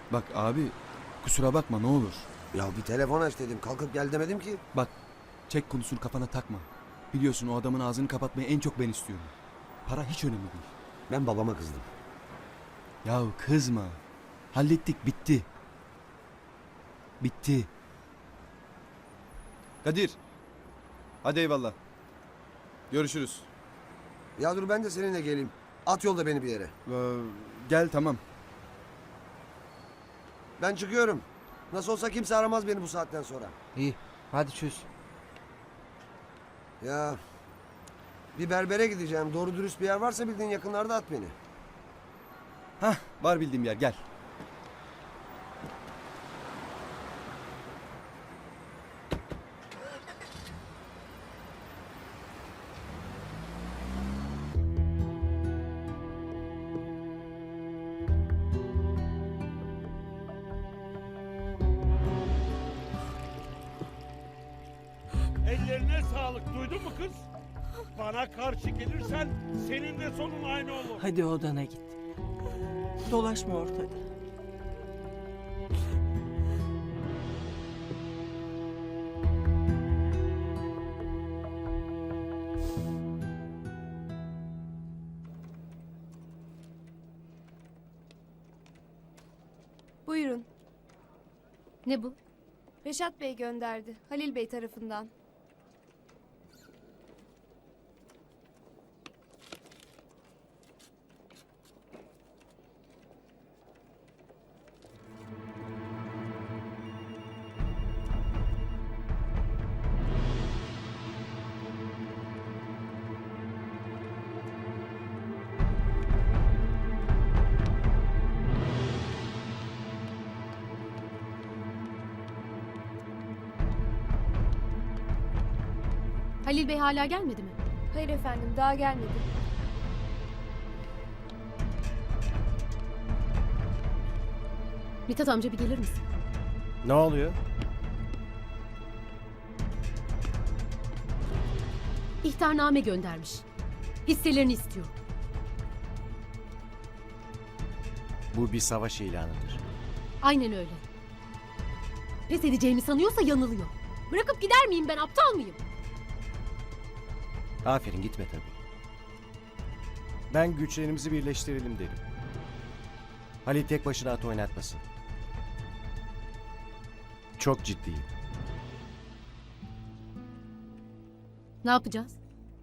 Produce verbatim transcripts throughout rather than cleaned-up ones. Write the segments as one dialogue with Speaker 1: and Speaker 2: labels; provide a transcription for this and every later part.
Speaker 1: Bak abi, kusura bakma ne olur.
Speaker 2: Ya bir telefon aç dedim. Kalkıp gel demedim ki.
Speaker 1: Bak, çek konusunu kafana takma. Biliyorsun o adamın ağzını kapatmayı en çok ben istiyorum. Para hiç önemli değil.
Speaker 2: Ben babama kızdım.
Speaker 1: Yahu kızma. Hallettik, bitti. Bitti. Kadir. Hadi eyvallah. Görüşürüz.
Speaker 2: Ya dur ben de seninle geleyim. At yolda beni bir yere.
Speaker 1: Ee, gel tamam.
Speaker 2: Ben çıkıyorum. Nasıl olsa kimse aramaz beni bu saatten sonra.
Speaker 3: İyi. Hadi çöz.
Speaker 2: Ya bir berbere gideceğim. Doğru dürüst bir yer varsa bildiğin yakınlarda at beni.
Speaker 1: Hah, var bildiğim yer, gel.
Speaker 4: Ellerine sağlık, duydun mu kız? Bana karşı gelirsen senin de sonun aynı olur.
Speaker 5: Hadi odana git. Dolaşma ortada.
Speaker 6: Buyurun.
Speaker 7: Ne bu?
Speaker 6: Reşat Bey gönderdi. Halil Bey tarafından.
Speaker 7: Halil Bey hala gelmedi mi?
Speaker 6: Hayır efendim, daha gelmedi.
Speaker 7: Mithat amca bir gelir misin?
Speaker 3: Ne oluyor?
Speaker 7: İhtarname göndermiş. Hisselerini istiyor.
Speaker 3: Bu bir savaş ilanıdır.
Speaker 7: Aynen öyle. Pes edeceğimi sanıyorsa yanılıyor. Bırakıp gider miyim ben, aptal mıyım?
Speaker 3: Aferin, gitme tabii. Ben güçlerimizi birleştirelim derim. Halil tek başına at oynatmasın. Çok ciddiyim.
Speaker 7: Ne yapacağız?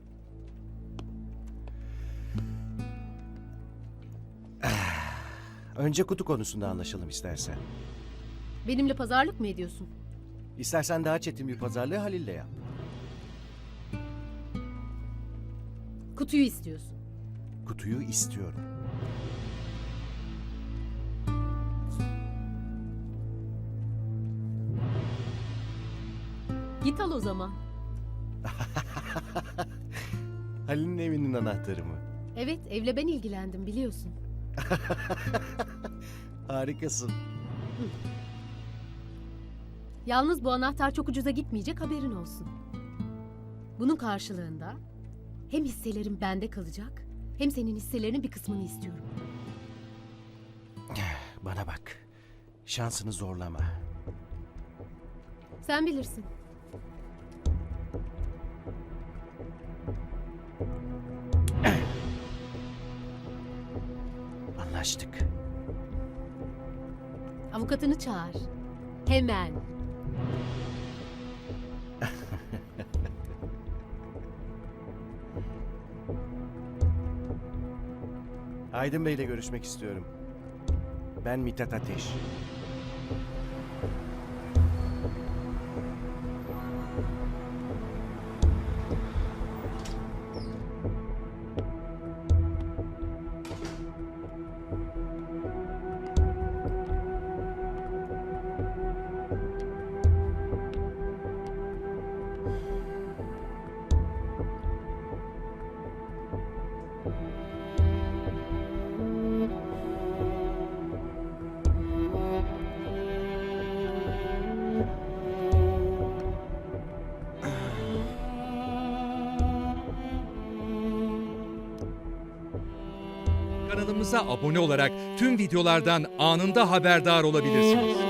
Speaker 3: Önce kutu konusunda anlaşalım istersen.
Speaker 7: Benimle pazarlık mı ediyorsun?
Speaker 3: İstersen daha çetin bir pazarlığı Halil'le yap.
Speaker 7: Kutuyu istiyorsun.
Speaker 3: Kutuyu istiyorum.
Speaker 7: Git al o zaman.
Speaker 3: Halil'in evinin anahtarı mı?
Speaker 7: Evet, evle ben ilgilendim biliyorsun.
Speaker 3: Harikasın.
Speaker 7: Yalnız bu anahtar çok ucuza gitmeyecek, haberin olsun. Bunun karşılığında hem hisselerim bende kalacak, hem senin hisselerinin bir kısmını istiyorum.
Speaker 3: Bana bak. Şansını zorlama.
Speaker 7: Sen bilirsin.
Speaker 3: Anlaştık.
Speaker 7: Avukatını çağır. Hemen.
Speaker 3: Aydın Bey'le görüşmek istiyorum. Ben Mithat Ateş.
Speaker 8: Kanalımıza abone olarak tüm videolardan anında haberdar olabilirsiniz.